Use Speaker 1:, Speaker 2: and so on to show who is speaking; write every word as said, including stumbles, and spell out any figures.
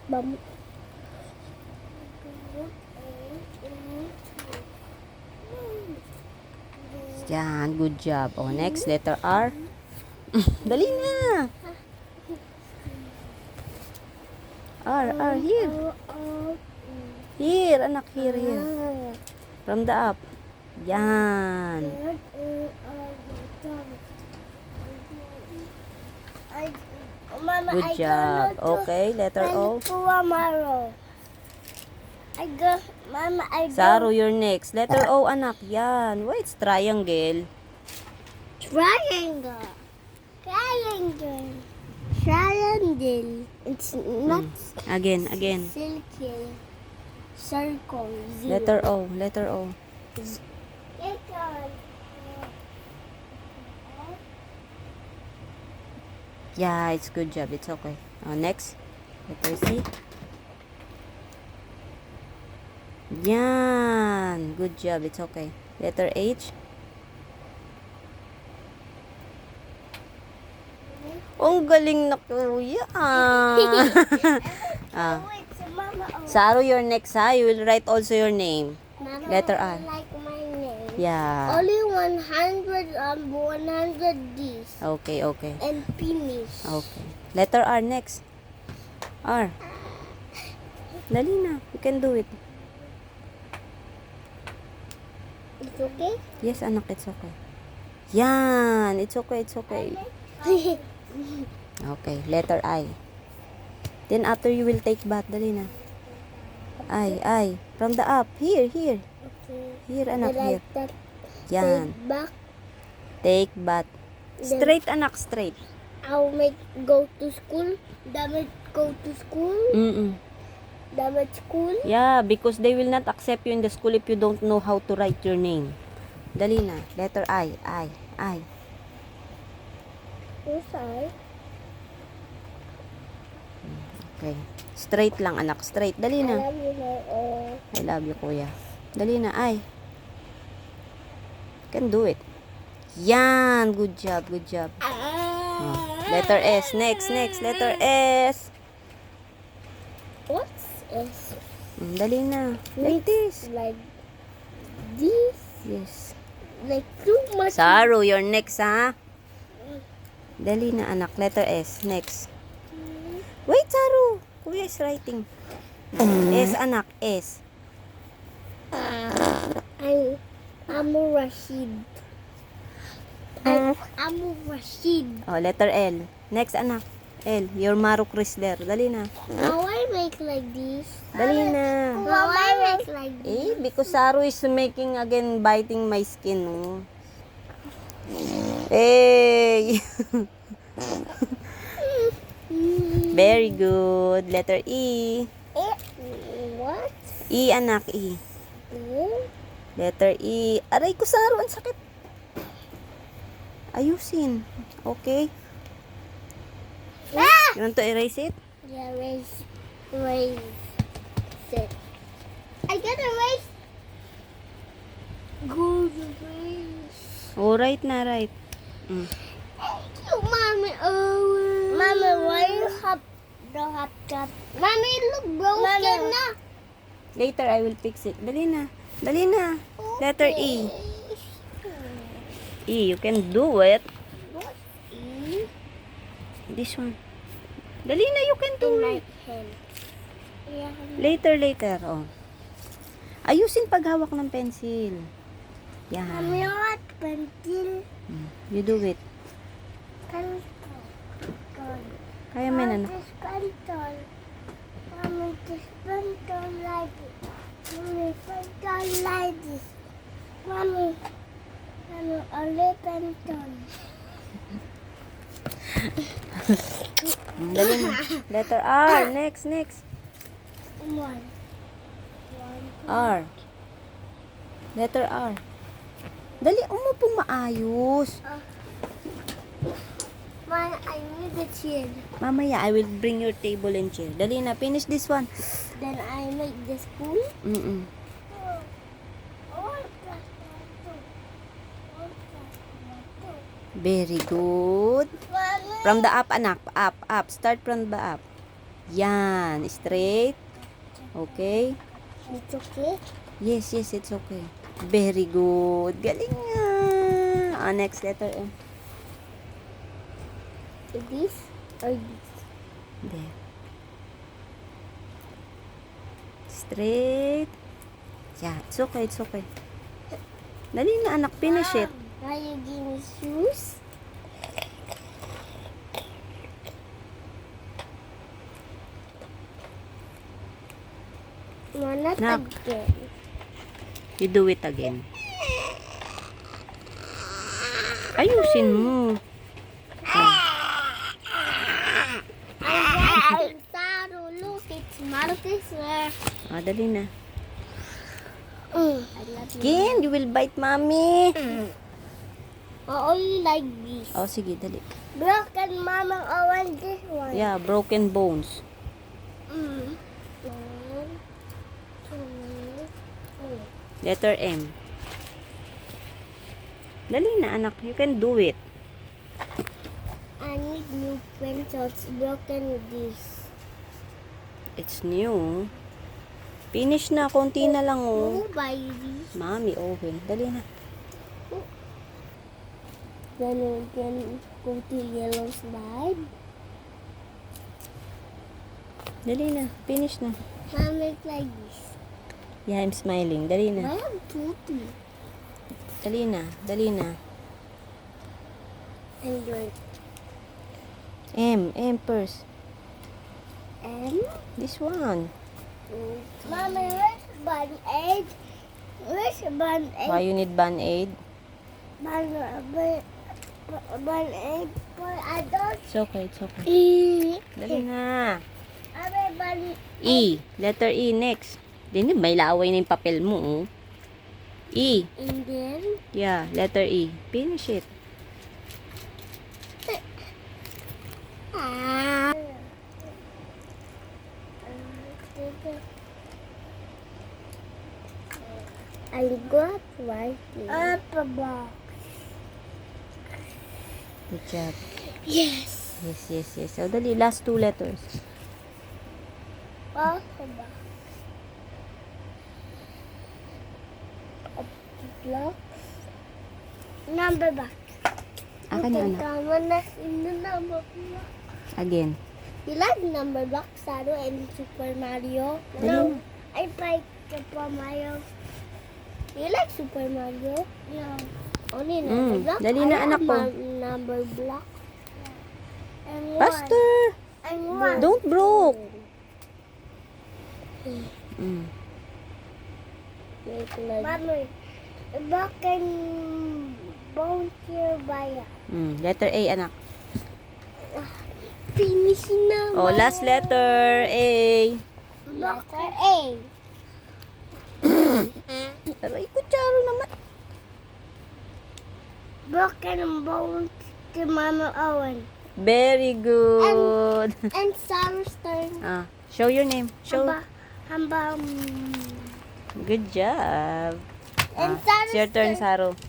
Speaker 1: Bam.
Speaker 2: Yan, good job. Oh, next, letter R. Dali na. R, R, here. Here, anak, here, here. From the up. Yan.
Speaker 1: Mama,
Speaker 2: Good
Speaker 1: I
Speaker 2: job.
Speaker 1: go to
Speaker 2: Okay, letter O.
Speaker 1: tomorrow. I go, Mama, I go.
Speaker 2: Saru, you're next. Letter O, anak. Yan. Why it's triangle?
Speaker 1: Triangle. Triangle. Triangle. It's not
Speaker 2: Again, again.
Speaker 1: silky. Circle. Zero.
Speaker 2: Letter O, letter O.
Speaker 1: Letter.
Speaker 2: Yeah, it's good job. It's okay. Oh, next. Letter C. Yan. Good job. It's okay. Letter H. Oh, ang galing na kuya. Ah.
Speaker 1: Wait, so Mama, oh.
Speaker 2: Saru, you're next ha. You will write also your name.
Speaker 1: Mama,
Speaker 2: Letter
Speaker 1: I
Speaker 2: R.
Speaker 1: like my name.
Speaker 2: Yeah.
Speaker 1: Only one hundred um one hundred D's
Speaker 2: Okay, okay.
Speaker 1: and finish.
Speaker 2: Okay. Letter R next. R. Dali na. You can do it.
Speaker 1: It's okay.
Speaker 2: Yes, anak. It's okay. Yan. It's okay. It's okay. Okay. Letter I. Then after you will take bath. Dali na. I, I. From the up. Here, here.
Speaker 1: Okay.
Speaker 2: Here, anak.
Speaker 1: I
Speaker 2: Here.
Speaker 1: like that.
Speaker 2: Yan.
Speaker 1: Take back.
Speaker 2: Take bath. Straight, anak. Straight.
Speaker 1: I'll make go to school. Damat go to school.
Speaker 2: Mm-mm.
Speaker 1: Damat school.
Speaker 2: Yeah, because they will not accept you in the school if you don't know how to write your name. Dali na. Letter I. I. I.
Speaker 1: Who's I?
Speaker 2: Okay. Straight lang, anak. Straight. Dali
Speaker 1: I
Speaker 2: na.
Speaker 1: love you, my oh.
Speaker 2: I love you, kuya. Dali na. I. Can do it. Yan. Good job. Good job. Oh. Letter S. Next, next. Letter S.
Speaker 1: What's S?
Speaker 2: Mm, dali na. Like this.
Speaker 1: Like this.
Speaker 2: Yes.
Speaker 1: Like too much.
Speaker 2: Saru, you're next, ha? Dali na, anak. Letter S. Next. Wait, Saru. Kuya is writing. S, anak. S.
Speaker 1: I'm Amu Rashid. I'm Amu Rashid.
Speaker 2: Oh, letter L. Next, anak. L. You're Maru Chrysler. Dali na.
Speaker 1: How I make like this?
Speaker 2: Dali na.
Speaker 1: How I make like this?
Speaker 2: Eh, because Saru is making again biting my skin. Oh. Hey! Very good. Letter E.
Speaker 1: Eh, what?
Speaker 2: E, anak. E.
Speaker 1: Eh?
Speaker 2: Letter E. Aray ko, Saru. Ang sakit. Ayusin. Okay.
Speaker 1: Ah!
Speaker 2: You want to erase it?
Speaker 1: Yeah, raise, raise it. I gotta raise. Good raise.
Speaker 2: Oh, right na, right. Mm.
Speaker 1: Thank you, mommy. Oh, mommy, why you have the hot cup? Mommy, look broken na.
Speaker 2: Later, I will fix it. Dali na. Dali na. Letter E. E, you can do it.
Speaker 1: What E?
Speaker 2: This one. Dali na, you can do
Speaker 1: In my
Speaker 2: it.
Speaker 1: hand. Yeah.
Speaker 2: Later, later. Oh. Ayusin paghawak ng pencil.
Speaker 1: Mommy,
Speaker 2: Yan.
Speaker 1: what pencil?
Speaker 2: Mm. You do it.
Speaker 1: Pencil.
Speaker 2: Kaya mo yan, anak.
Speaker 1: This pencil. Mommy, this pencil like this. Mommy, pencil like this. Mommy, mommy, only pencil.
Speaker 2: Mm, Dali na. Letter R. Next, next.
Speaker 1: One.
Speaker 2: R. Letter R. Dali, umupong maayos.
Speaker 1: Mom, I need a chair.
Speaker 2: Mamaya, I will bring your table and chair. Dali na, finish this one.
Speaker 1: Then I make the spoon.
Speaker 2: Mm-mm. Very good.
Speaker 1: Mommy.
Speaker 2: From the up, anak. Up, up. Start from the up. Yan. Straight. Okay.
Speaker 1: It's okay.
Speaker 2: Yes, yes, it's okay. Very good. Galing nga. Ah, next letter M.
Speaker 1: This or this?
Speaker 2: There. Straight. Yeah, it's okay, it's okay. Dali na anak, finish it.
Speaker 1: Now you give me shoes. No, not
Speaker 2: Nak.
Speaker 1: again.
Speaker 2: You do it again. Ayusin mo.
Speaker 1: I'm Saru. Look, it's Marcus.
Speaker 2: Ah, dali na.
Speaker 1: Mm. I love you.
Speaker 2: Again, you will bite mommy.
Speaker 1: I only like this.
Speaker 2: Oh, sige, dali.
Speaker 1: Broken mama, I want this one.
Speaker 2: Yeah, broken bones.
Speaker 1: Mm. One, two, three.
Speaker 2: Letter M. Dali na anak, you can do it.
Speaker 1: I need new pencils. Broken with this.
Speaker 2: It's new. Finish na, konti na lang oh.
Speaker 1: Who buy this?
Speaker 2: Mommy, okay. Dali na.
Speaker 1: Then we can go to yellow slide.
Speaker 2: Dali na, finish na.
Speaker 1: Mom, make like this.
Speaker 2: Yeah, I'm smiling. Dali na.
Speaker 1: I am poopy.
Speaker 2: Dali na, dali na.
Speaker 1: And your
Speaker 2: M, M first.
Speaker 1: M.
Speaker 2: This one.
Speaker 1: Mommy, where's bun aid? Where's bun aid?
Speaker 2: Why you need band-aid?
Speaker 1: Bun, bun, bun aid for adults.
Speaker 2: It's okay, it's okay.
Speaker 1: E.
Speaker 2: Dali na.
Speaker 1: Mommy, bun
Speaker 2: E. Letter E next. Dini, may laway na yung papel mo, oh. E.
Speaker 1: and then
Speaker 2: Yeah, letter E. Finish it.
Speaker 1: ah. I got writing. Up a box.
Speaker 2: Good job.
Speaker 1: Yes.
Speaker 2: Yes, yes, yes. So, dali, last two letters.
Speaker 1: Up a box. A block. Number box.
Speaker 2: Akin na, anak.
Speaker 1: Tama na in the number box.
Speaker 2: Again.
Speaker 1: You like number box, Saru, and Super Mario?
Speaker 2: Dali
Speaker 1: No,
Speaker 2: na.
Speaker 1: I like Super Mario. You like Super Mario? Yeah. Only number
Speaker 2: Mm,
Speaker 1: block?
Speaker 2: dali
Speaker 1: I
Speaker 2: na,
Speaker 1: have
Speaker 2: anak ko.
Speaker 1: ma- number block. And one.
Speaker 2: Faster!
Speaker 1: And one.
Speaker 2: Don't broke. Mm.
Speaker 1: Make like... Mommy, back and bounce your buyer.
Speaker 2: Mm. Letter A, anak.
Speaker 1: Finish na.
Speaker 2: Oh, last letter. A.
Speaker 1: Letter A.
Speaker 2: Aray, kutsaro naman.
Speaker 1: Broken bones to Mama Owen.
Speaker 2: Very good.
Speaker 1: And Sarah's turn.
Speaker 2: Ah, show your name. Show.
Speaker 1: Hamba, hamba, um,
Speaker 2: Good job.
Speaker 1: And
Speaker 2: Ah,
Speaker 1: Sarah's
Speaker 2: it's your turn,
Speaker 1: turn.
Speaker 2: Saro.